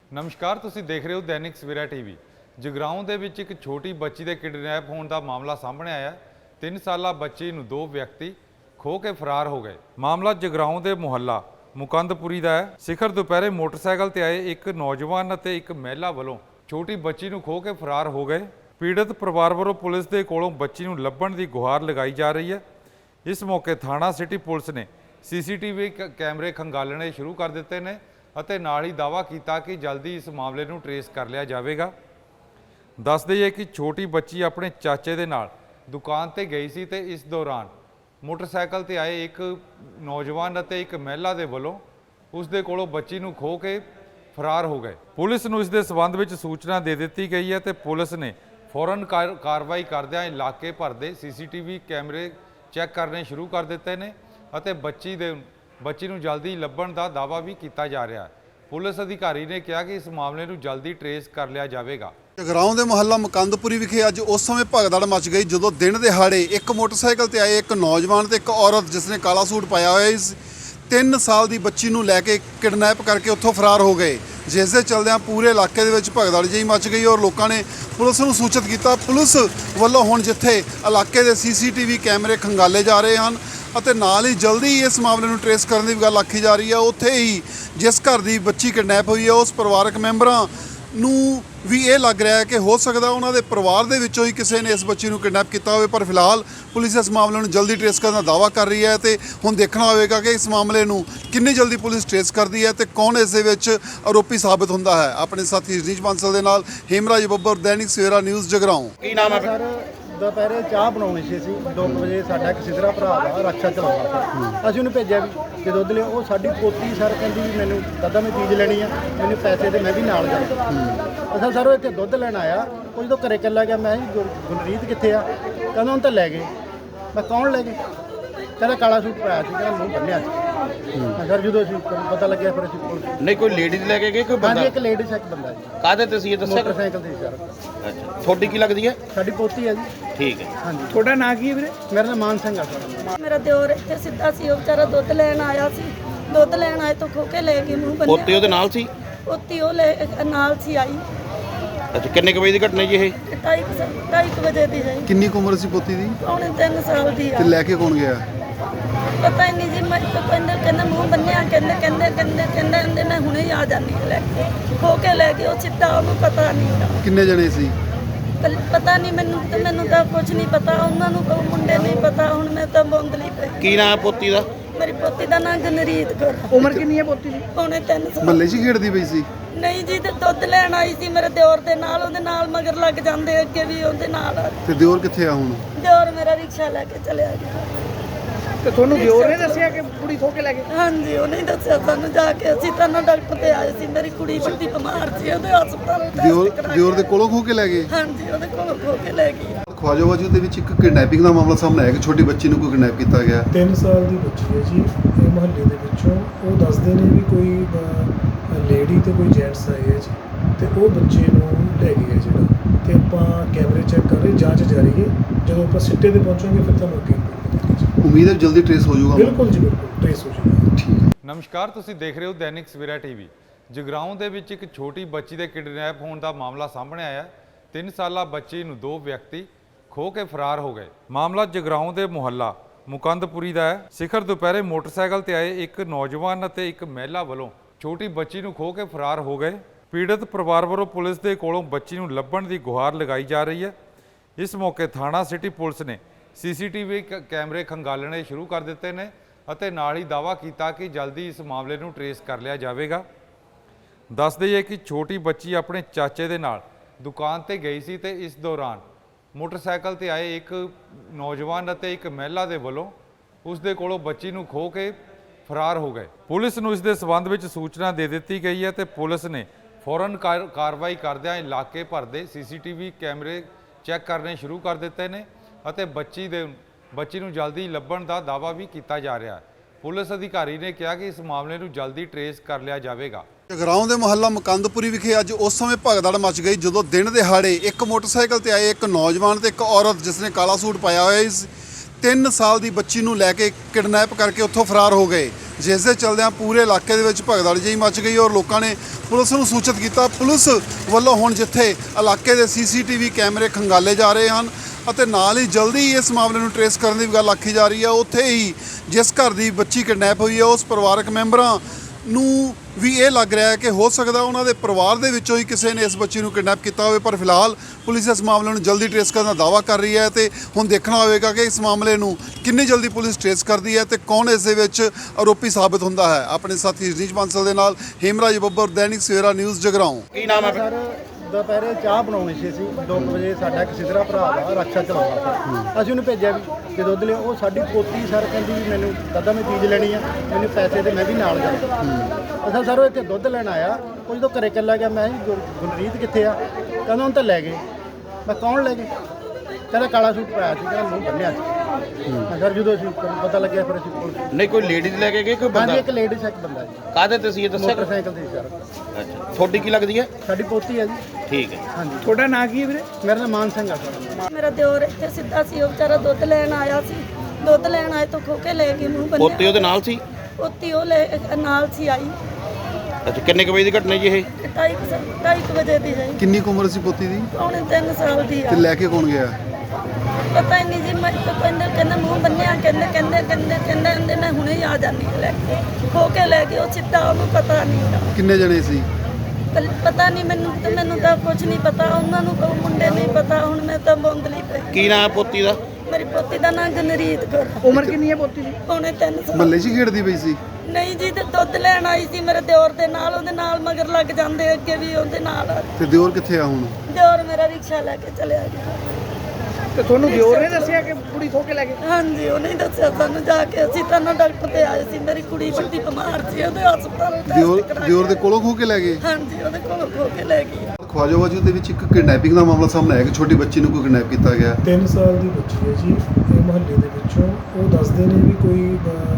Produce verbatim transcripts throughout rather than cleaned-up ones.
ਨਮਸਕਾਰ, ਤੁਸੀਂ ਦੇਖ ਰਹੇ ਹੋ ਦੈਨਿਕ ਸਵੇਰਾ ਟੀਵੀ। ਜਗਰਾਉਂ ਦੇ ਵਿੱਚ ਇੱਕ ਛੋਟੀ ਬੱਚੀ ਦੇ ਕਿਡਨੈਪ ਹੋਣ ਦਾ ਮਾਮਲਾ ਸਾਹਮਣੇ ਆਇਆ। ਤਿੰਨ ਸਾਲਾ ਬੱਚੀ ਨੂੰ ਦੋ ਵਿਅਕਤੀ ਖੋਹ ਕੇ ਫਰਾਰ ਹੋ ਗਏ। ਮਾਮਲਾ ਜਗਰਾਉਂ ਦੇ ਮੁਹੱਲਾ ਮੁਕੰਦਪੁਰੀ ਦਾ ਹੈ। ਸਿਖਰ ਦੁਪਹਿਰੇ ਮੋਟਰਸਾਈਕਲ ਤੇ ਆਏ ਇੱਕ ਨੌਜਵਾਨ ਅਤੇ ਇੱਕ ਮਹਿਲਾ ਵੱਲੋਂ ਛੋਟੀ ਬੱਚੀ ਨੂੰ ਖੋਹ ਕੇ ਫਰਾਰ ਹੋ ਗਏ। ਪੀੜਤ ਪਰਿਵਾਰ ਵੱਲੋਂ ਪੁਲਿਸ ਦੇ ਕੋਲੋਂ ਬੱਚੀ ਨੂੰ ਲੱਭਣ ਦੀ ਗੁਹਾਰ ਲਗਾਈ ਜਾ ਰਹੀ ਹੈ। ਇਸ ਮੌਕੇ ਥਾਣਾ ਸਿਟੀ ਪੁਲਿਸ ਨੇ ਸੀਸੀਟੀਵੀ ਕੈਮਰੇ ਖੰਗਾਲਣੇ ਸ਼ੁਰੂ ਕਰ ਦਿੱਤੇ ਨੇ ਅਤੇ ਨਾਲ ਹੀ ਦਾਅਵਾ ਕੀਤਾ ਕਿ ਜਲਦੀ ਇਸ ਮਾਮਲੇ ਨੂੰ ਟਰੇਸ ਕਰ ਲਿਆ ਜਾਵੇਗਾ। ਦੱਸ ਦਈਏ ਕਿ ਛੋਟੀ ਬੱਚੀ ਆਪਣੇ ਚਾਚੇ ਦੇ ਨਾਲ ਦੁਕਾਨ ਤੇ ਗਈ ਸੀ ਤੇ ਇਸ ਦੌਰਾਨ ਮੋਟਰਸਾਈਕਲ ਤੇ ਆਏ ਇੱਕ ਨੌਜਵਾਨ ਅਤੇ ਇੱਕ ਮਹਿਲਾ ਦੇ ਵੱਲੋਂ ਉਸ ਦੇ ਕੋਲੋਂ ਬੱਚੀ ਨੂੰ ਖੋਹ ਕੇ ਫਰਾਰ ਹੋ ਗਏ। ਪੁਲਿਸ ਨੂੰ ਇਸ ਦੇ ਸਬੰਧ ਵਿੱਚ ਸੂਚਨਾ ਦੇ ਦਿੱਤੀ ਗਈ ਹੈ ਤੇ ਪੁਲਿਸ ਨੇ ਫੌਰਨ ਕਾਰਵਾਈ ਕਰਦਿਆਂ ਇਲਾਕੇ ਭਰ ਦੇ ਸੀਸੀਟੀਵੀ ਕੈਮਰੇ ਚੈੱਕ ਕਰਨੇ ਸ਼ੁਰੂ ਕਰ ਦਿੱਤੇ ਨੇ ਅਤੇ ਬੱਚੀ ਦੇ ਬੱਚੀ ਨੂੰ ਜਲਦੀ ਲੱਭਣ ਦਾ ਦਾਅਵਾ ਵੀ ਕੀਤਾ ਜਾ ਰਿਹਾ ਹੈ। ਪੁਲਿਸ ਅਧਿਕਾਰੀ ਨੇ ਕਿਹਾ ਕਿ ਇਸ ਮਾਮਲੇ ਨੂੰ ਜਲਦੀ ਟਰੇਸ ਕਰ ਲਿਆ ਜਾਵੇਗਾ। ਜਗਰਾਉਂ ਦੇ ਮੁਹੱਲਾ ਮੁਕੰਦਪੁਰੀ ਵਿਖੇ ਅੱਜ ਉਸ ਸਮੇਂ ਭਗਦੜ ਮਚ ਗਈ ਜਦੋਂ ਦਿਨ ਦਿਹਾੜੇ ਇੱਕ ਮੋਟਰਸਾਈਕਲ ਤੇ ਆਏ ਇੱਕ ਨੌਜਵਾਨ ਤੇ ਇੱਕ ਔਰਤ ਜਿਸ ਨੇ ਕਾਲਾ ਸੂਟ ਪਾਇਆ ਹੋਇਆ ਸੀ, ਤਿੰਨ ਸਾਲ ਦੀ ਬੱਚੀ ਨੂੰ ਲੈ ਕੇ ਕਿਡਨੈਪ ਕਰਕੇ ਉੱਥੋਂ ਫਰਾਰ ਹੋ ਗਏ, ਜਿਸ ਦੇ ਚਲਦਿਆਂ ਪੂਰੇ ਇਲਾਕੇ ਦੇ ਵਿੱਚ ਭਗਦੜ ਜਿਹੀ ਮਚ ਗਈ ਔਰ ਲੋਕਾਂ ਨੇ ਪੁਲਿਸ ਨੂੰ ਸੂਚਿਤ ਕੀਤਾ। ਪੁਲਿਸ ਵੱਲੋਂ ਹੁਣ ਜਿੱਥੇ ਇਲਾਕੇ ਦੇ ਸੀਸੀਟੀਵੀ ਕੈਮਰੇ ਖੰਗਾਲੇ ਜਾ ਰਹੇ ਹਨ ਅਤੇ ਨਾਲ ਹੀ ਜਲਦੀ ਇਸ ਮਾਮਲੇ ਨੂੰ ਟਰੇਸ ਕਰਨ ਦੀ ਗੱਲ ਆਖੀ ਜਾ ਰਹੀ ਹੈ, ਉੱਥੇ ਹੀ ਜਿਸ ਘਰ ਦੀ ਬੱਚੀ ਕਿਡਨੈਪ ਹੋਈ ਹੈ ਉਸ ਪਰਿਵਾਰਕ ਮੈਂਬਰਾਂ ਨੂੰ ਵੀ ਇਹ ਲੱਗ ਰਿਹਾ ਹੈ ਕਿ ਹੋ ਸਕਦਾ ਉਹਨਾਂ ਦੇ ਪਰਿਵਾਰ ਦੇ ਵਿੱਚੋਂ ਹੀ ਕਿਸੇ ਨੇ ਇਸ ਬੱਚੀ ਨੂੰ ਕਿਡਨੈਪ ਕੀਤਾ ਹੋਵੇ। ਪਰ ਫਿਲਹਾਲ ਪੁਲਿਸ ਇਸ ਮਾਮਲੇ ਨੂੰ ਜਲਦੀ ਟਰੇਸ ਕਰਨ ਦਾ ਦਾਅਵਾ ਕਰ ਰਹੀ ਹੈ ਤੇ ਹੁਣ ਦੇਖਣਾ ਹੋਵੇਗਾ ਕਿ ਇਸ ਮਾਮਲੇ ਨੂੰ ਕਿੰਨੀ ਜਲਦੀ ਪੁਲਿਸ ਟਰੇਸ ਕਰਦੀ ਹੈ ਤੇ ਕੌਣ ਇਸ ਦੇ ਵਿੱਚ ਆਰੋਪੀ ਸਾਬਤ ਹੁੰਦਾ ਹੈ। ਆਪਣੇ ਸਾਥੀ ਰਜਨੀਸ਼ ਬਾਂਸਲ ਦੇ ਨਾਲ ਹੇਮਰਾਜ ਬੱਬਰ, ਦੈਨਿਕ ਸਵੇਰਾ ਨਿਊਜ਼ ਜਗਰਾਉਂ। ਕੀ ਨਾਮ ਹੈ ਸਰ? ਦੁਪਹਿਰੇ ਚਾਹ ਬਣਾਉਣੀ ਸੀ ਅਸੀਂ ਦੋ ਵਜੇ। ਸਾਡਾ ਇੱਕ ਸਿਧਰਾ ਭਰਾ ਦਾ ਰਕਸ਼ਾ ਚਲਾਉਂਦਾ, ਅਸੀਂ ਉਹਨੂੰ ਭੇਜਿਆ ਵੀ ਕਿ ਦੁੱਧ ਲਿਓ। ਉਹ ਸਾਡੀ ਪੋਤੀ ਸਰ ਕਹਿੰਦੀ ਵੀ ਮੈਨੂੰ ਦਾਦਾ ਮੈਂ ਚੀਜ਼ ਲੈਣੀ ਆ, ਮੈਨੂੰ ਪੈਸੇ ਤੇ ਮੈਂ ਵੀ ਨਾਲ ਜਾਣਾ। ਅਸਾਂ ਸਰ ਉਹ ਇੱਥੇ ਦੁੱਧ ਲੈਣ ਆਇਆ, ਉਹ ਜਦੋਂ ਘਰੇ ਚੱਲਾ ਗਿਆ ਮੈਂ ਜੀ ਗੁਰਰੀਤ ਕਿੱਥੇ ਆ? ਕਹਿੰਦਾ ਉਹਨੂੰ ਤਾਂ ਲੈ ਗਏ। ਮੈਂ ਕੌਣ ਲੈ ਗਏ? ਕਹਿੰਦਾ ਕਾਲਾ ਸੂਟ ਪਾਇਆ ਸੀ, ਕਹਿੰਦਾ ਮੂੰਹ ਬੰਨਿਆ ਸੀ। ਸਰ ਜਦੋਂ ਅਸੀਂ ਪਤਾ ਲੱਗਿਆ ਫਿਰ ਅਸੀਂ ਪੁਲਿਸ ਨਹੀਂ ਕੋਈ ਲੇਡੀਜ਼ ਲੈ ਕੇ ਗਏ ਕੋਈ ਬੰਦਾ? ਹਾਂਜੀ ਇੱਕ ਲੇਡੀਜ਼ ਇੱਕ ਬੰਦਾ ਜੀ। ਕਾਹਦੇ ਤੇ ਸੀ ਇਹ ਦੱਸਿਆ? ਮੋਟਰਸਾਈਕਲ ਤੇ ਸਰ। ਅੱਛਾ, ਤੁਹਾਡੀ ਕੀ ਲੱਗਦੀ ਹੈ? ਸਾਡੀ ਪੋਤੀ ਹੈ ਜੀ। ਠੀਕ ਹੈ। ਹਾਂਜੀ। ਤੁਹਾਡਾ ਨਾਂ ਕੀ ਹੈ ਵੀਰੇ? ਮੇਰਾ ਨਾਮ ਮਾਨ ਸਿੰਘ ਆ ਸਰ। ਮੇਰਾ ਦਿਓਰ ਇੱਥੇ ਸਿੱਧਾ ਸੀ, ਉਹ ਵਿਚਾਰਾ ਦੁੱਧ ਲੈਣ ਆਇਆ ਸੀ। ਦੁੱਧ ਲੈਣ ਆਏ ਤੋਂ ਖੋ ਕੇ ਲੈ ਕੇ ਮੂੰਹ ਬੰਨਿਆ। ਪੋਤੀ ਉਹਦੇ ਨਾਲ ਸੀ? ਪੋਤੀ ਉਹ ਲੈ ਨਾਲ ਸੀ ਆਈ। ਅੱਛਾ, ਕਿੰਨੇ ਕੁ ਵਜੇ ਦੀ ਘਟਨਾ ਜੀ ਇਹ? ਢਾਈ ਕੁ ਸ- ਢਾਈ ਕੁ ਵਜੇ ਦੀ ਜਾਈ। ਕਿੰਨੀ ਕੁ ਉਮਰ ਸੀ ਪੋਤੀ ਦੀ ਪੌਣੇ ਤਿੰਨ ਸਾਲ ਦੀ ਆ। ਤੇ ਲੈ ਕੇ ਕੌਣ ਗਿਆ? ਪਤਾ ਹੀ ਨਹੀਂ ਜੀ। ਮੈਂ ਤਾਂ ਕਹਿੰਦੇ ਕਹਿੰਦੇ ਮੂੰਹ ਬੰਨਿਆ, ਕਹਿੰਦੇ ਕਹਿੰਦੇ ਕਹਿੰਦੇ ਕਹਿੰਦੇ ਕਹਿੰਦੇ ਮੈਂ ਹੁਣੇ ਹੀ ਆ ਜਾਂਦੀ ਹਾਂ ਲੈ ਕੇ। ਖੋ ਕੇ ਲੈ ਕੇ ਉਹ ਸਿੱਧਾ, ਉਹਨੂੰ ਪਤਾ ਨਹੀਂ। ਕਿੰਨੇ ਜਣੇ ਸੀ? ਪਤਾ ਨਹੀਂ ਮੈਨੂੰ ਤਾਂ ਮੈਨੂੰ ਤਾਂ ਕੁਝ ਨਹੀਂ ਪਤਾ, ਉਹਨਾਂ ਨੂੰ ਕੋਈ ਮੁੰਡੇ ਨਹੀਂ ਪਤਾ। ਹੁਣ ਮੈਂ ਤਾਂ ਬੌਂਦਲੀ ਪਈ। ਕੀ ਨਾਮ ਹੈ ਪੋਤੀ ਦਾ? ਮੇਰੀ ਪੋਤੀ ਦਾ ਨਾਂ ਗਨਰੀਤ ਕੌਰ। ਉਮਰ ਕਿੰਨੀ ਹੈ ਪੋਤੀ ਦੀ? ਪੌਣੇ ਤਿੰਨ ਸਾਲ। ਮਹੱਲੇ 'ਚ ਹੀ ਖੇਡਦੀ ਪਈ ਸੀ? ਨਹੀਂ ਜੀ, ਤੇ ਦੁੱਧ ਲੈਣ ਆਈ ਸੀ ਮੇਰੇ ਦਿਓਰ ਦੇ ਨਾਲ। ਉਹਦੇ ਨਾਲ ਮਗਰ ਲੱਗ ਜਾਂਦੇ, ਅੱਗੇ ਵੀ ਉਹਦੇ ਨਾਲ। ਤੇ ਦਿਓਰ ਕਿੱਥੇ ਆ ਹੁਣ? ਦਿਓਰ ਮੇਰਾ ਰਿਕਸ਼ਾ ਲੈ ਕੇ ਚਲਿਆ ਗਿਆ। ਤੇ ਤੁਹਾਨੂੰ ਦਿਓਰ ਨੇ ਦੱਸਿਆ ਕਿ ਕੁੜੀ ਖੋ ਕੇ ਲੈ ਗਏ? ਹਾਂਜੀ, ਉਹਨੇ ਹੀ ਦੱਸਿਆ ਸਾਨੂੰ ਜਾ ਕੇ। ਅਸੀਂ ਤਾਂ ਨਾ ਡਾਕਟਰ ਤੇ ਆਏ ਸੀ, ਮੇਰੀ ਕੁੜੀ ਵੱਡੀ ਬਿਮਾਰ ਸੀ, ਉਹਦੇ ਹਸਪਤਾਲ ਟੈਸਟ ਦਿਓਰ ਕਰਾਏ। ਦਿਓਰ ਦੇ ਕੋਲੋਂ ਖੋ ਕੇ ਲੈ ਗਏ? ਹਾਂਜੀ, ਉਹਦੇ ਕੋਲੋਂ ਖੋ ਕੇ ਲੈ ਗਈ। ਖਵਾਜੋਵਾਜੀ ਦੇ ਵਿੱਚ ਇੱਕ ਕਿਡਨੈਪਿੰਗ ਦਾ ਮਾਮਲਾ ਸਾਹਮਣੇ ਆਇਆ ਕਿ ਛੋਟੀ ਬੱਚੀ ਨੂੰ ਕੋਈ ਕਿਡਨੈਪ ਕੀਤਾ ਗਿਆ। ਤਿੰਨ ਸਾਲ ਦੀ ਬੱਚੀ ਹੈ ਜੀ ਇਹ ਮੁਹੱਲੇ ਦੇ ਵਿੱਚੋਂ। ਉਹ ਦੱਸਦੇ ਨੇ ਵੀ ਕੋਈ ਲੇਡੀ ਤੇ ਕੋਈ ਜੈਂਟਸ ਆਏ ਹੈ ਜੀ ਤੇ ਉਹ ਬੱਚੇ ਨੂੰ ਲੈ ਗਏ ਜਿਹੜਾ। ਤੇ ਆਪਾਂ ਕੈਮਰੇ ਚੈੱਕ ਕਰ ਰਹੇ, ਜਾਂਚ ਜਾਰੀ ਹੈ। ਜਦੋਂ ਆਪਾਂ ਸਿੱਟੇ ਤੇ ਪਹੁੰਚਾਂਗੇ ਫਿਰ ਤੁਹਾਨੂੰ ਅੱਗੇ ਉਮੀਦ ਹੈ ਜਲਦੀ ਟਰੇਸ ਹੋ ਜਾਊਗਾ। ਬਿਲਕੁਲ ਜੀ, ਬਿਲਕੁਲ ਟਰੇਸ ਹੋ ਜਾਊਗਾ। ਠੀਕ ਹੈ। ਨਮਸਕਾਰ, ਤੁਸੀਂ ਦੇਖ ਰਹੇ ਹੋ ਦੈਨਿਕ ਸਵੇਰਾ ਟੀਵੀ। ਜਗਰਾਉਂ ਦੇ ਵਿੱਚ ਇੱਕ ਛੋਟੀ ਬੱਚੀ ਦੇ ਕਿਡਨੈਪ ਹੋਣ ਦਾ ਮਾਮਲਾ ਸਾਹਮਣੇ ਆਇਆ। ਤਿੰਨ ਸਾਲਾ ਬੱਚੀ ਨੂੰ ਦੋ ਵਿਅਕਤੀ ਖੋਹ ਕੇ ਫਰਾਰ ਹੋ ਗਏ। ਮਾਮਲਾ ਜਗਰਾਉਂ ਦੇ ਮੁਹੱਲਾ ਮੁਕੰਦਪੁਰੀ ਦਾ ਹੈ। ਸਿਖਰ ਦੁਪਹਿਰੇ ਮੋਟਰਸਾਈਕਲ ਤੇ ਆਏ ਇੱਕ ਨੌਜਵਾਨ ਅਤੇ ਇੱਕ ਮਹਿਲਾ ਵੱਲੋਂ ਛੋਟੀ ਬੱਚੀ ਨੂੰ ਖੋਹ ਕੇ ਫਰਾਰ ਹੋ ਗਏ। ਪੀੜਤ ਪਰਿਵਾਰ ਵੱਲੋਂ ਪੁਲਿਸ ਦੇ ਕੋਲੋਂ ਬੱਚੀ ਨੂੰ ਲੱਭਣ ਦੀ ਗੁਹਾਰ ਲਗਾਈ ਜਾ ਰਹੀ ਹੈ। ਇਸ ਮੌਕੇ ਥਾਣਾ ਸਿਟੀ ਪੁਲਿਸ ਨੇ ਸੀਸੀਟੀਵੀ ਕੈਮਰੇ ਖੰਗਾਲਣੇ ਸ਼ੁਰੂ ਕਰ ਦਿੱਤੇ ਨੇ ਅਤੇ ਨਾਲ ਹੀ ਦਾਅਵਾ ਕੀਤਾ ਕਿ ਜਲਦੀ ਇਸ ਮਾਮਲੇ ਨੂੰ ਟਰੇਸ ਕਰ ਲਿਆ ਜਾਵੇਗਾ। ਦੱਸ ਦਈਏ ਕਿ ਛੋਟੀ ਬੱਚੀ ਆਪਣੇ ਚਾਚੇ ਦੇ ਨਾਲ ਦੁਕਾਨ ਤੇ ਗਈ ਸੀ ਤੇ ਇਸ ਦੌਰਾਨ ਮੋਟਰਸਾਈਕਲ ਤੇ ਆਏ ਇੱਕ ਨੌਜਵਾਨ ਅਤੇ ਇੱਕ ਮਹਿਲਾ ਦੇ ਵੱਲੋਂ ਉਸ ਦੇ ਕੋਲੋਂ ਬੱਚੀ ਨੂੰ ਖੋਹ ਕੇ ਫਰਾਰ ਹੋ ਗਏ। ਪੁਲਿਸ ਨੂੰ ਇਸ ਦੇ ਸਬੰਧ ਵਿੱਚ ਸੂਚਨਾ ਦੇ ਦਿੱਤੀ ਗਈ ਹੈ ਤੇ ਪੁਲਿਸ ਨੇ ਫੌਰਨ ਕਾਰਵਾਈ ਕਰਦਿਆਂ ਇਲਾਕੇ ਭਰ ਦੇ ਸੀਸੀਟੀਵੀ ਕੈਮਰੇ ਚੈੱਕ ਕਰਨੇ ਸ਼ੁਰੂ ਕਰ ਦਿੱਤੇ ਨੇ ਅਤੇ ਬੱਚੀ ਦੇ ਬੱਚੀ ਨੂੰ ਜਲਦੀ ਲੱਭਣ ਦਾ ਦਾਅਵਾ ਵੀ ਕੀਤਾ ਜਾ ਰਿਹਾ ਹੈ। ਪੁਲਿਸ ਅਧਿਕਾਰੀ ਨੇ ਕਿਹਾ ਕਿ ਇਸ ਮਾਮਲੇ ਨੂੰ ਜਲਦੀ ਟਰੇਸ ਕਰ ਲਿਆ ਜਾਵੇਗਾ। ਜਗਰਾਉਂ ਦੇ ਮੁਹੱਲਾ ਮੁਕੰਦਪੁਰੀ ਵਿਖੇ ਅੱਜ ਉਸ ਸਮੇਂ ਭਗਦੜ ਮਚ ਗਈ ਜਦੋਂ ਦਿਨ ਦਿਹਾੜੇ ਇੱਕ ਮੋਟਰਸਾਈਕਲ ਤੇ ਆਏ ਇੱਕ ਨੌਜਵਾਨ ਤੇ ਇੱਕ ਔਰਤ ਜਿਸ ਨੇ ਕਾਲਾ ਸੂਟ ਪਾਇਆ ਹੋਇਆ ਸੀ, ਤਿੰਨ ਸਾਲ ਦੀ ਬੱਚੀ ਨੂੰ ਲੈ ਕੇ ਕਿਡਨੈਪ ਕਰਕੇ ਉੱਥੋਂ ਫਰਾਰ ਹੋ ਗਏ, ਜਿਸ ਦੇ ਚਲਦਿਆਂ ਪੂਰੇ ਇਲਾਕੇ ਦੇ ਵਿੱਚ ਭਗਦੜ ਜਿਹੀ ਮਚ ਗਈ ਔਰ ਲੋਕਾਂ ਨੇ ਪੁਲਿਸ ਨੂੰ ਸੂਚਿਤ ਕੀਤਾ। ਪੁਲਿਸ ਵੱਲੋਂ ਹੁਣ ਜਿੱਥੇ ਇਲਾਕੇ ਦੇ ਸੀਸੀਟੀਵੀ ਕੈਮਰੇ ਖੰਗਾਲੇ ਜਾ ਰਹੇ ਹਨ ਅਤੇ ਨਾਲ ਹੀ ਜਲਦੀ ਹੀ ਇਸ ਮਾਮਲੇ ਨੂੰ ਟਰੇਸ ਕਰਨ ਦੀ ਵੀ ਗੱਲ ਆਖੀ ਜਾ ਰਹੀ ਹੈ, ਉੱਥੇ ਹੀ ਜਿਸ ਘਰ ਦੀ ਬੱਚੀ ਕਿਡਨੈਪ ਹੋਈ ਹੈ ਉਸ ਪਰਿਵਾਰਕ ਮੈਂਬਰਾਂ ਨੂੰ ਵੀ ਇਹ ਲੱਗ ਰਿਹਾ ਹੈ ਕਿ ਹੋ ਸਕਦਾ ਉਹਨਾਂ ਦੇ ਪਰਿਵਾਰ ਦੇ ਵਿੱਚੋਂ ਹੀ ਕਿਸੇ ਨੇ ਇਸ ਬੱਚੀ ਨੂੰ ਕਿਡਨੈਪ ਕੀਤਾ ਹੋਵੇ। ਪਰ ਫਿਲਹਾਲ ਪੁਲਿਸ ਇਸ ਮਾਮਲੇ ਨੂੰ ਜਲਦੀ ਟਰੇਸ ਕਰਨ ਦਾ ਦਾਅਵਾ ਕਰ ਰਹੀ ਹੈ ਤੇ ਹੁਣ ਦੇਖਣਾ ਹੋਵੇਗਾ ਕਿ ਇਸ ਮਾਮਲੇ ਨੂੰ ਕਿੰਨੀ ਜਲਦੀ ਪੁਲਿਸ ਟਰੇਸ ਕਰਦੀ ਹੈ ਤੇ ਕੌਣ ਇਸ ਦੇ ਵਿੱਚ ਆਰੋਪੀ ਸਾਬਤ ਹੁੰਦਾ ਹੈ। ਆਪਣੇ ਸਾਥੀ ਰਜਨੀਸ਼ ਬਾਂਸਲ ਦੇ ਨਾਲ ਹੇਮਰਾਜ ਬੱਬਰ, ਦੈਨਿਕ ਸਵੇਰਾ ਨਿਊਜ਼ ਜਗਰਾਉਂ। ਕੀ ਨਾਮ ਹੈ? ਸਰ ਦੁਪਹਿਰੇ ਚਾਹ ਬਣਾਉਣੀ ਸੀ ਅਸੀਂ ਦੋ ਕੁ ਵਜੇ ਸਾਡਾ ਇੱਕ ਸਿਧਰਾ ਭਰਾ ਵਾ ਰਕਸ਼ਾ ਚਲਾਉਂਦਾ ਸੀ। ਅਸੀਂ ਉਹਨੂੰ ਭੇਜਿਆ ਵੀ ਕਿ ਦੁੱਧ ਲਿਓ। ਉਹ ਸਾਡੀ ਪੋਤੀ ਸਰ ਕਹਿੰਦੀ ਵੀ ਮੈਨੂੰ ਦਾਦਾ ਮੈਂ ਚੀਜ਼ ਲੈਣੀ ਆ, ਮੈਨੂੰ ਪੈਸੇ ਦੇ ਮੈਂ ਵੀ ਨਾਲ ਜਾਣਾ। ਅਸਾਂ ਸਰ ਉਹ ਇੱਥੇ ਦੁੱਧ ਲੈਣ ਆਇਆ, ਉਹ ਜਦੋਂ ਘਰੇ ਇਕੱਲਾ ਗਿਆ ਮੈਂ ਕਿਹਾ ਜੀ ਗੁਰਰੀਤ ਕਿੱਥੇ ਆ? ਕਹਿੰਦਾ ਹੁਣ ਤਾਂ ਲੈ ਗਏ। ਮੈਂ ਕੌਣ ਲੈ ਗਏ? ਕਹਿੰਦਾ ਕਾਲਾ ਸੂਟ ਪਾਇਆ ਸੀ, ਕਹਿੰਦਾ ਮੂੰਹ ਬੰਨਿਆ ਸੀ। ਮੈਂ ਸਰ ਜਦੋਂ ਅਸੀਂ ਪਤਾ ਲੱਗਿਆ ਫਿਰ ਅਸੀਂ ਪੁਲਿਸ ਨਹੀਂ ਕੋਈ ਲੇਡੀਜ਼ ਲੈ ਕੇ ਗਏ ਕੋਈ ਬੰਦਾ? ਹਾਂਜੀ ਇੱਕ ਲੇਡੀਜ਼ ਇੱਕ ਬੰਦਾ ਜੀ। ਕਾਹਦੇ ਤੇ ਸੀ ਇਹ ਦੱਸਿਆ? ਮੋਟਰਸਾਈਕਲ ਤੇ ਸੀ ਸਰ। ਅੱਛਾ, ਤੁਹਾਡੀ ਕੀ ਲੱਗਦੀ ਹੈ? ਸਾਡੀ ਪੋਤੀ ਹੈ ਜੀ। ਠੀਕ ਹੈ। ਹਾਂਜੀ ਤੁਹਾਡਾ ਨਾਂ ਕੀ ਹੈ ਵੀਰੇ? ਮੇਰਾ ਨਾਮ ਮਾਨ ਸਿੰਘ ਆ ਸਰ। ਮੇਰਾ ਦਿਓਰ ਇੱਥੇ ਸਿੱਧਾ ਸੀ, ਉਹ ਵਿਚਾਰਾ ਦੁੱਧ ਲੈਣ ਆਇਆ ਸੀ। ਦੁੱਧ ਲੈਣ ਆਏ ਤੋਂ ਖੋ ਕੇ ਲੈ ਗਏ ਮੂੰਹ ਬੰਨਿਆ। ਪੋਤੇ ਉਹਦੇ ਨਾਲ ਸੀ? ਪੋਤੀ ਉਹ ਲੈ ਨਾਲ ਸੀ ਆਈ। ਅੱਛਾ, ਕਿੰਨੇ ਕੁ ਵਜੇ ਦੀ ਘਟਨਾ ਜੀ ਇਹ? ਢਾਈ ਕੁ ਸ- ਢਾਈ ਕੁ ਵਜੇ ਦੀ ਜਾਈ। ਕਿੰਨੀ ਕੁ ਉਮਰ ਸੀ ਪੋਤੀ ਦੀ ਪੌਣੇ ਤਿੰਨ ਸਾਲ ਦੀ ਆ। ਤੇ ਲੈ ਕੇ ਕੌਣ ਗਿਆ? ਪਤਾ ਹੀ ਨਹੀਂ ਜੀ। ਮੈਂ ਤਾਂ ਕਹਿੰਦੇ ਕਹਿੰਦੇ ਮੂੰਹ ਬੰਨਿਆ, ਕਹਿੰਦੇ ਕਹਿੰਦੇ ਕਹਿੰਦੇ ਕਹਿੰਦੇ ਕਹਿੰਦੇ ਮੈਂ ਹੁਣੇ ਹੀ ਆ ਜਾਂਦੀ ਹਾਂ ਲੈ ਕੇ। ਖੋ ਕੇ ਲੈ ਗਏ ਉਹ ਸਿੱਧਾ, ਉਹਨੂੰ ਪਤਾ ਨਹੀਂ ਗਾ। ਕਿੰਨੇ ਜਣੇ ਸੀ? ਕੱਲ- ਪਤਾ ਨਹੀਂ ਮੈਨੂੰ ਤੇ ਮੈਨੂੰ ਤਾਂ ਕੁਝ ਨਹੀਂ ਪਤਾ, ਉਹਨਾਂ ਨੂੰ ਉਹ ਮੁੰਡੇ ਨਹੀਂ ਪਤਾ। ਹੁਣ ਮੈਂ ਤਾਂ ਬੌਂਦਲੀ ਪਈ। ਕੀ ਨਾਮ ਹੈ ਪੋਤੀ ਦਾ? ਮੇਰੀ ਪੋਤੀ ਦਾ ਨਾਂ ਗਨਰੀਤ ਕੌਰ। ਉਮਰ ਕਿੰਨੀ ਹੈ ਪੋਤੀ ਦੀ? ਪੌਣੇ ਤਿੰਨ ਸਾਲ। ਮਹੱਲੇ 'ਚ ਹੀ ਖੇਡਦੀ ਪਈ ਸੀ? ਨਹੀਂ ਜੀ, ਤੇ ਦੁੱਧ ਲੈਣ ਆਈ ਸੀ ਮੇਰੇ ਦਿਓਰ ਦੇ ਨਾਲ। ਉਹਦੇ ਨਾਲ ਮਗਰ ਲੱਗ ਜਾਂਦੇ, ਅੱਗੇ ਵੀ ਉਹਦੇ ਨਾਲ ਆ। ਤੇ ਦਿਓਰ ਕਿੱਥੇ ਆ ਹੁਣ? ਦਿਓਰ ਮੇਰਾ ਰਿਕਸ਼ਾ ਲੈ ਕੇ ਚਲਿਆ ਗਿਆ। ਤੇ ਤੁਹਾਨੂੰ ਦਿਓਰ ਨੇ ਦੱਸਿਆ ਕਿ ਕੁੜੀ ਖੋ ਕੇ ਲੈ ਗਏ? ਹਾਂਜੀ, ਉਹਨੇ ਹੀ ਦੱਸਿਆ ਸਾਨੂੰ ਜਾ ਕੇ। ਅਸੀਂ ਤਾਂ ਨਾ ਡਾਕਟਰ ਤੇ ਆਏ ਸੀ, ਮੇਰੀ ਕੁੜੀ ਵੱਡੀ ਬਿਮਾਰ ਸੀ, ਉਹਦੇ ਹਸਪਤਾਲ ਟੈਸਟ ਦਿਓਰ ਕਰਾ ਦਿਓਰ ਦੇ ਕੋਲੋਂ ਖੋ ਕੇ ਲੈ ਗਏ? ਹਾਂਜੀ, ਉਹਦੇ ਕੋਲ ਖੋ ਕੇ ਲੈ ਗਈ। ਖਵਾਜੋਵਾਜੂ ਦੇ ਵਿੱਚ ਇੱਕ ਕਿਡਨੈਪਿੰਗ ਦਾ ਮਾਮਲਾ ਸਾਹਮਣੇ ਆਇਆ ਕਿ ਛੋਟੀ ਬੱਚੀ ਨੂੰ ਕੋਈ ਕਿਡਨੈਪ ਕੀਤਾ ਗਿਆ। ਤਿੰਨ ਸਾਲ ਦੀ ਬੱਚੀ ਹੈ ਜੀ ਇਹ ਮੁਹੱਲੇ ਦੇ ਵਿੱਚੋਂ। ਉਹ ਦੱਸਦੇ ਨੇ ਵੀ ਕੋਈ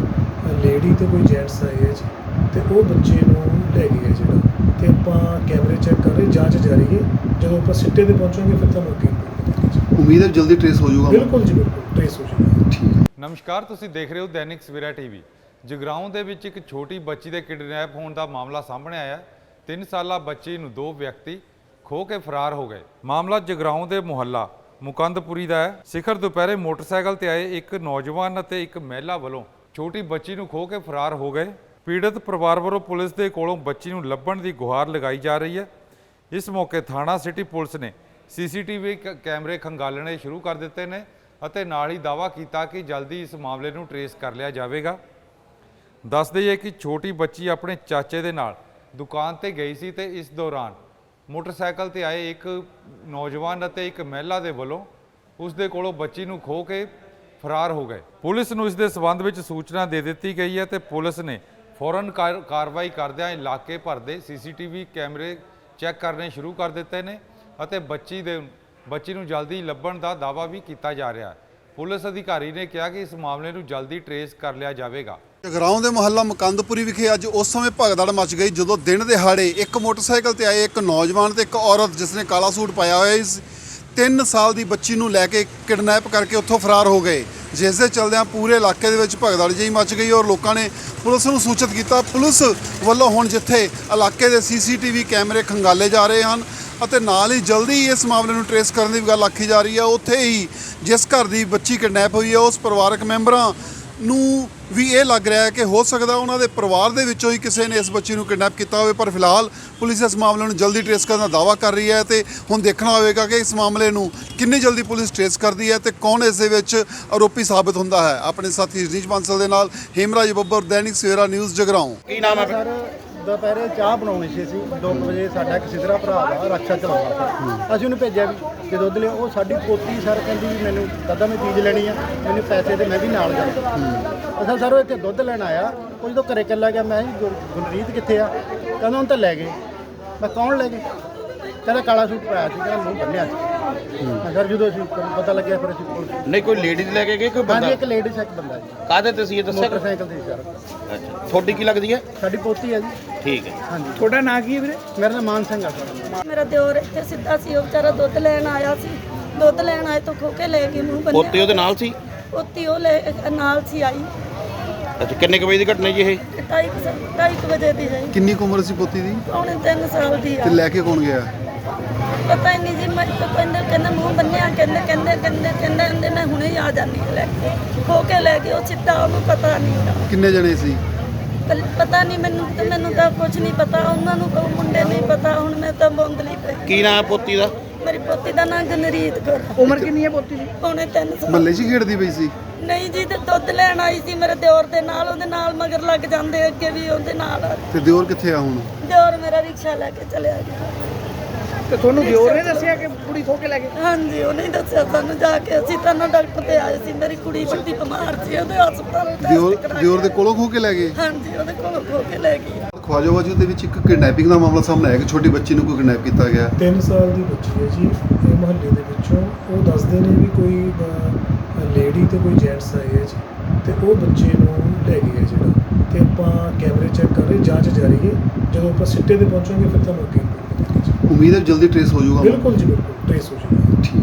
ਲੇਡੀ ਤੇ ਕੋਈ ਜੈਂਟਸ ਆਏ ਹੈ ਜੀ ਤੇ ਉਹ ਬੱਚੇ ਨੂੰ ਲੈ ਗਏ ਹੈ ਜਿਹੜਾ। ਤੇ ਆਪਾਂ ਕੈਮਰੇ ਚੈੱਕ ਕਰ ਰਹੇ, ਜਾਂਚ ਜਾਰੀ ਹੈ। ਜਦੋਂ ਆਪਾਂ ਸਿੱਟੇ ਤੇ ਪਹੁੰਚਾਂਗੇ ਫਿਰ ਤੁਹਾਨੂੰ ਅੱਗੇ report ਕਰਾਂਗੇ ਜੀ। ਉਮੀਦ ਹੈ ਜਲਦੀ ਟਰੇਸ ਹੋ ਜਾਊਗਾ। ਬਿਲਕੁਲ ਜੀ ਬਿਲਕੁਲ ਟ੍ਰੇਸ ਹੋ ਜਾਏਗਾ। ਠੀਕ ਹੈ। ਨਮਸਕਾਰ, ਤੁਸੀਂ ਦੇਖ ਰਹੇ ਹੋ ਦੈਨਿਕ ਸਵੇਰਾ ਟੀਵੀ। ਜਗਰਾਉਂ ਦੇ ਵਿੱਚ ਇੱਕ ਛੋਟੀ ਬੱਚੀ ਦੇ ਕਿਡਨੈਪ ਹੋਣ ਦਾ ਮਾਮਲਾ ਸਾਹਮਣੇ ਆਇਆ। ਤਿੰਨ ਸਾਲਾ ਬੱਚੀ ਨੂੰ ਦੋ ਵਿਅਕਤੀ ਖੋ ਕੇ ਫਰਾਰ ਹੋ ਗਏ। ਮਾਮਲਾ ਜਗਰਾਉਂ ਦੇ ਮੁਹੱਲਾ ਮੁਕੰਦਪੁਰੀ ਦਾ ਹੈ। ਸਿਖਰ ਦੁਪਹਿਰੇ ਮੋਟਰਸਾਈਕਲ ਤੇ ਆਏ ਇੱਕ ਨੌਜਵਾਨ ਅਤੇ ਇੱਕ ਮਹਿਲਾ ਵੱਲੋਂ ਛੋਟੀ ਬੱਚੀ ਨੂੰ ਖੋ ਕੇ ਫਰਾਰ ਹੋ ਗਏ। ਪੀੜਤ ਪਰਿਵਾਰ ਵੱਲੋਂ ਪੁਲਿਸ ਦੇ ਕੋਲੋਂ ਬੱਚੀ ਨੂੰ ਲੱਭਣ ਦੀ ਗੁਹਾਰ ਲਗਾਈ ਜਾ ਰਹੀ ਹੈ। ਇਸ ਮੌਕੇ ਥਾਣਾ ਸਿਟੀ ਪੁਲਿਸ ਨੇ ਸੀਸੀਟੀਵੀ ਕੈਮਰੇ ਖੰਗਾਲਣੇ ਸ਼ੁਰੂ ਕਰ ਦਿੱਤੇ ਨੇ ਅਤੇ ਨਾਲ ਹੀ ਦਾਅਵਾ ਕੀਤਾ ਕਿ ਜਲਦੀ ਇਸ ਮਾਮਲੇ ਨੂੰ ਟਰੇਸ ਕਰ ਲਿਆ ਜਾਵੇਗਾ। ਦੱਸ ਦਈਏ ਕਿ ਛੋਟੀ ਬੱਚੀ ਆਪਣੇ ਚਾਚੇ ਦੇ ਨਾਲ ਦੁਕਾਨ ਤੇ ਗਈ ਸੀ ਤੇ ਇਸ ਦੌਰਾਨ ਮੋਟਰਸਾਈਕਲ ਤੇ ਆਏ ਇੱਕ ਨੌਜਵਾਨ ਅਤੇ ਇੱਕ ਮਹਿਲਾ ਦੇ ਵੱਲੋਂ ਉਸ ਦੇ ਕੋਲੋਂ ਬੱਚੀ ਨੂੰ ਖੋ ਕੇ ਫਰਾਰ ਹੋ ਗਏ। ਪੁਲਿਸ ਨੂੰ ਇਸ ਦੇ ਸਬੰਧ ਵਿੱਚ ਸੂਚਨਾ ਦੇ ਦਿੱਤੀ ਗਈ ਹੈ ਤੇ ਪੁਲਿਸ ਨੇ ਫੌਰਨ ਕਾਰ- ਕਾਰਵਾਈ ਕਰਦਿਆਂ ਇਲਾਕੇ ਭਰ ਦੇ ਸੀਸੀਟੀਵੀ ਕੈਮਰੇ ਚੈੱਕ ਕਰਨੇ ਸ਼ੁਰੂ ਕਰ ਦਿੱਤੇ ਨੇ ਅਤੇ ਬੱਚੀ ਦੇ ਬੱਚੀ ਨੂੰ ਜਲਦੀ ਲੱਭਣ ਦਾ ਦਾਅਵਾ ਵੀ ਕੀਤਾ ਜਾ ਰਿਹਾ ਹੈ। ਪੁਲਿਸ ਅਧਿਕਾਰੀ ਨੇ ਕਿਹਾ ਕਿ ਇਸ ਮਾਮਲੇ ਨੂੰ ਜਲਦੀ ਟਰੇਸ ਕਰ ਲਿਆ ਜਾਵੇਗਾ। ਜਗਰਾਉਂ ਦੇ ਮੁਹੱਲਾ ਮੁਕੰਦਪੁਰੀ ਵਿਖੇ ਅੱਜ ਉਸ ਸਮੇਂ ਭਗਦੜ ਮਚ ਗਈ ਜਦੋਂ ਦਿਨ ਦਿਹਾੜੇ ਇੱਕ ਮੋਟਰਸਾਈਕਲ ਤੇ ਆਏ ਇੱਕ ਨੌਜਵਾਨ ਤੇ ਇੱਕ ਔਰਤ ਜਿਸ ਨੇ ਕਾਲਾ ਸੂਟ ਪਾਇਆ ਹੋਇਆ ਸੀ, ਤਿੰਨ ਸਾਲ ਦੀ ਬੱਚੀ ਨੂੰ ਲੈ ਕੇ ਕਿਡਨੈਪ ਕਰਕੇ ਉੱਥੋਂ ਫਰਾਰ ਹੋ ਗਏ। ਜਿਸ ਦੇ ਚਲਦਿਆਂ ਪੂਰੇ ਇਲਾਕੇ ਦੇ ਵਿੱਚ ਭਗਦੜ ਜਿਹੀ ਮਚ ਗਈ ਔਰ ਲੋਕਾਂ ਨੇ ਪੁਲਿਸ ਨੂੰ ਸੂਚਿਤ ਕੀਤਾ। ਪੁਲਿਸ ਵੱਲੋਂ ਹੁਣ ਜਿੱਥੇ ਇਲਾਕੇ ਦੇ ਸੀਸੀਟੀਵੀ ਕੈਮਰੇ ਖੰਗਾਲੇ ਜਾ ਰਹੇ ਹਨ ਅਤੇ ਨਾਲ ਹੀ ਜਲਦੀ ਹੀ ਇਸ ਮਾਮਲੇ ਨੂੰ ਟਰੇਸ ਕਰਨ ਦੀ ਵੀ ਗੱਲ ਆਖੀ ਜਾ ਰਹੀ ਹੈ, ਉੱਥੇ ਹੀ ਜਿਸ ਘਰ ਦੀ ਬੱਚੀ ਕਿਡਨੈਪ ਹੋਈ ਹੈ ਉਸ ਪਰਿਵਾਰਕ ਮੈਂਬਰਾਂ ਨੂੰ ਵੀ ਇਹ ਲੱਗ ਰਿਹਾ ਹੈ ਕਿ ਹੋ ਸਕਦਾ ਉਹਨਾਂ ਦੇ ਪਰਿਵਾਰ ਦੇ ਵਿੱਚੋਂ ਹੀ ਕਿਸੇ ਨੇ ਇਸ ਬੱਚੀ ਨੂੰ ਕਿਡਨੈਪ ਕੀਤਾ ਹੋਵੇ। ਪਰ ਫਿਲਹਾਲ ਪੁਲਿਸ ਇਸ ਮਾਮਲੇ ਨੂੰ ਜਲਦੀ ਟਰੇਸ ਕਰਨ ਦਾ ਦਾਅਵਾ ਕਰ ਰਹੀ ਹੈ ਤੇ ਹੁਣ ਦੇਖਣਾ ਹੋਵੇਗਾ ਕਿ ਇਸ ਮਾਮਲੇ ਨੂੰ ਕਿੰਨੀ ਜਲਦੀ ਪੁਲਿਸ ਟਰੇਸ ਕਰਦੀ ਹੈ ਤੇ ਕੌਣ ਇਸ ਦੇ ਵਿੱਚ ਆਰੋਪੀ ਸਾਬਤ ਹੁੰਦਾ ਹੈ। ਆਪਣੇ ਸਾਥੀ ਰਜਨੀਸ਼ ਬਾਂਸਲ ਦੇ ਨਾਲ ਹੇਮਰਾਜ ਬੱਬਰ, ਦੈਨਿਕ ਸਵੇਰਾ ਨਿਊਜ਼ ਜਗਰਾਉਂ। ਕੀ ਨਾਮ ਹੈ? ਸਰ ਦੁਪਹਿਰੇ ਚਾਹ ਬਣਾਉਣੀ ਸੀ ਅਸੀਂ ਦੋ ਕੁ ਵਜੇ ਸਾਡਾ ਇੱਕ ਸਿਧਰਾ ਭਰਾ ਵਾ ਰਕਸ਼ਾ ਚਲਾਉਂਦਾ ਸੀ। ਅਸੀਂ ਉਹਨੂੰ ਭੇਜਿਆ ਵੀ ਕਿ ਦੁੱਧ ਲਿਓ। ਉਹ ਸਾਡੀ ਪੋਤੀ ਸਰ ਕਹਿੰਦੀ ਵੀ ਮੈਨੂੰ ਦਾਦਾ ਮੈਂ ਚੀਜ਼ ਲੈਣੀ ਆ, ਮੈਨੂੰ ਪੈਸੇ ਦੇ ਮੈਂ ਵੀ ਨਾਲ ਜਾਣਾ। ਅਸਾਂ ਸਰ ਉਹ ਇੱਥੇ ਦੁੱਧ ਲੈਣ ਆਇਆ, ਉਹ ਜਦੋਂ ਘਰੇ ਇਕੱਲਾ ਗਿਆ ਮੈਂ ਕਿਹਾ ਜੀ ਗੁਰਰੀਤ ਕਿੱਥੇ ਆ? ਕਹਿੰਦਾ ਹੁਣ ਤਾਂ ਲੈ ਗਏ। ਮੈਂ ਕੌਣ ਲੈ ਗਏ? ਕਹਿੰਦਾ ਕਾਲਾ ਸੂਟ ਪਾਇਆ ਸੀ, ਕਹਿੰਦਾ ਮੂੰਹ ਬੰਨਿਆ ਸੀ। ਮੈਂ ਸਰ ਜਦੋਂ ਅਸੀਂ ਪਤਾ ਲੱਗਿਆ ਫਿਰ ਅਸੀਂ ਪੁਲਿਸ ਨਹੀਂ ਕੋਈ ਲੇਡੀਜ਼ ਲੈ ਕੇ ਗਏ ਕੋਈ ਬੰਦਾ? ਹਾਂਜੀ ਇੱਕ ਲੇਡੀਜ਼ ਇੱਕ ਬੰਦਾ ਜੀ। ਕਾਹਦੇ ਤੇ ਸੀ ਇਹ ਦੱਸਿਆ? ਮੋਟਰਸਾਈਕਲ ਤੇ ਸੀ ਸਰ। ਅੱਛਾ, ਤੁਹਾਡੀ ਕੀ ਲੱਗਦੀ ਹੈ? ਸਾਡੀ ਪੋਤੀ ਹੈ ਜੀ। ਠੀਕ ਹੈ। ਹਾਂਜੀ ਤੁਹਾਡਾ ਨਾਂ ਕੀ ਹੈ ਵੀਰੇ? ਮੇਰਾ ਨਾਮ ਮਾਨ ਸਿੰਘ ਆ ਸਰ। ਮੇਰਾ ਦਿਓਰ ਇੱਥੇ ਸਿੱਧਾ ਸੀ, ਉਹ ਵਿਚਾਰਾ ਦੁੱਧ ਲੈਣ ਆਇਆ ਸੀ। ਦੁੱਧ ਲੈਣ ਆਏ ਤੋਂ ਖੋ ਕੇ ਲੈ ਗਏ ਮੂੰਹ ਬੰਨਿਆ। ਪੋਤੇ ਉਹਦੇ ਨਾਲ ਸੀ? ਪੋਤੀ ਉਹ ਲੈ ਨਾਲ ਸੀ ਆਈ। ਅੱਛਾ ਕਿੰਨੇ ਕੁ ਵਜੇ ਦੀ ਘਟਨਾ ਜੀ ਇਹ ਢਾਈ ਕੁ ਸਾ- ਢਾਈ ਕੁ ਵਜੇ ਦੀ ਹੈ ਕਿੰਨੀ ਕੁ ਉਮਰ ਸੀ ਪੋਤੀ ਦੀ ਪੌਣੇ ਤਿੰਨ ਸਾਲ ਦੀ ਆ ਤੇ ਲੈ ਕੇ ਕੌਣ ਗਿਆ ਪਤਾ ਹੀ ਨਹੀਂ ਜੀ ਮੈਂ ਤਾਂ ਕਹਿੰਦੇ ਕਹਿੰਦੇ ਮੂੰਹ ਬੰਨਿਆ ਕਹਿੰਦੇ ਕਹਿੰਦੇ ਕਹਿੰਦੇ ਕਹਿੰਦੇ ਕਹਿੰਦੇ ਮੈਂ ਹੁਣੇ ਹੀ ਆ ਜਾਂਦੀ ਹਾਂ ਲੈ ਕੇ ਖੋ ਕੇ ਲੈ ਕੇ ਉਹ ਸਿੱਧਾ ਉਹਨੂੰ ਪਤਾ ਨਹੀਂ ਗਾ। ਕਿੰਨੇ ਜਣੇ ਸੀ ਕੱਲ- ਪਤਾ ਨਹੀਂ ਮੈਨੂੰ ਤੇ ਮੈਨੂੰ ਤਾਂ ਕੁਝ ਨਹੀਂ ਪਤਾ ਉਹਨਾਂ ਨੂੰ ਤਾਂ ਮੁੰਡੇ ਨਹੀਂ ਪਤਾ ਹੁਣ ਮੈਂ ਤਾਂ ਬੌਂਦਲੀ ਪਈ ਕੀ ਨਾਂ ਪੋਤੀ ਦਾ ਮੇਰੀ ਪੋਤੀ ਦਾ ਨਾਂ ਗਨਰੀਤ ਕੌਰ ਉਮਰ ਕਿੰਨੀ ਹੈ ਪੋਤੀ ਦੀ? ਪੌਣੇ ਤਿੰਨ ਸਾਲ ਮਹੱਲੇ 'ਚ ਹੀ ਖੇਡਦੀ ਪਈ ਸੀ ਨਹੀਂ ਜੀ ਤੇ ਦੁੱਧ ਲੈਣ ਆਈ ਸੀ ਮੇਰੇ ਦਿਓਰ ਦੇ ਨਾਲ ਉਹਦੇ ਨਾਲ ਮਗਰ ਲੱਗ ਜਾਂਦੇ ਅੱਗੇ ਵੀ ਉਹਦੇ ਨਾਲ ਤੇ ਦਿਓਰ ਕਿੱਥੇ ਆ ਹੁਣ ਦਿਓਰ ਮੇਰਾ ਰਿਕਸ਼ਾ ਲੈ ਕੇ ਚਲਿਆ ਗਿਆ ਤੇ ਤੁਹਾਨੂੰ ਦਿਓਰ ਨੇ ਦੱਸਿਆ ਕਿ ਕੁੜੀ ਖੋ ਕੇ ਲੈ ਗਏ? ਹਾਂਜੀ ਉਹਨੇ ਹੀ ਦੱਸਿਆ ਸਾਨੂੰ ਜਾ ਕੇ ਅਸੀਂ ਤਾਂ ਨਾ ਡਾਕਟਰ ਤੇ ਆਏ ਸੀ ਮੇਰੀ ਕੁੜੀ ਵੱਡੀ ਬਿਮਾਰ ਸੀ ਉਹਦੇ ਹਸਪਤਾਲ ਦਿਓਰ ਟੈਸਟ ਕਰਾ ਦਿਓਰ ਦੇ ਕੋਲੋਂ ਖੋ ਕੇ ਲੈ ਗਏ ਹਾਂਜੀ ਉਹਦੇ ਕੋਲ ਖੋ ਕੇ ਲੈ ਗਈ ਖਵਾਜੋਵਾਜੀ ਦੇ ਵਿੱਚ ਇੱਕ ਕਿਡਨੈਪਿੰਗ ਦਾ ਮਾਮਲਾ ਸਾਹਮਣੇ ਆਇਆ ਕਿ ਛੋਟੀ ਬੱਚੀ ਨੂੰ ਕੋਈ ਕਿਡਨੈਪ ਕੀਤਾ ਗਿਆ ਤਿੰਨ ਸਾਲ ਦੀ ਬੱਚੀ ਹੈ ਜੀ ਇਹ ਮੁਹੱਲੇ ਦੇ ਵਿੱਚੋਂ ਉਹ ਦੱਸਦੇ ਨੇ ਵੀ ਕੋਈ ਲੇਡੀ ਤੇ ਕੋਈ ਜੈਂਟਸ ਆਏ ਹੈ ਜੀ ਤੇ ਉਹ ਬੱਚੇ ਨੂੰ ਲੈ ਗਏ ਹੈ ਜਿਹੜਾ ਤੇ ਆਪਾਂ ਕੈਮਰੇ ਚੈੱਕ ਕਰ ਰਹੇ ਜਾਂਚ ਜਾਰੀ ਹੈ ਜਦੋਂ ਆਪਾਂ ਸਿੱਟੇ ਤੇ ਪਹੁੰਚਾਂਗੇ ਫਿਰ ਤੁਹਾਨੂੰ ਅੱਗੇ ਉਮੀਦ ਹੈ ਜਲਦੀ ਟ੍ਰੇਸ ਹੋ ਜਾਊਗਾ ਬਿਲਕੁਲ ਜੀ ਬਿਲਕੁਲ ਟ੍ਰੇਸ ਹੋ ਜਾਏਗਾ ਠੀਕ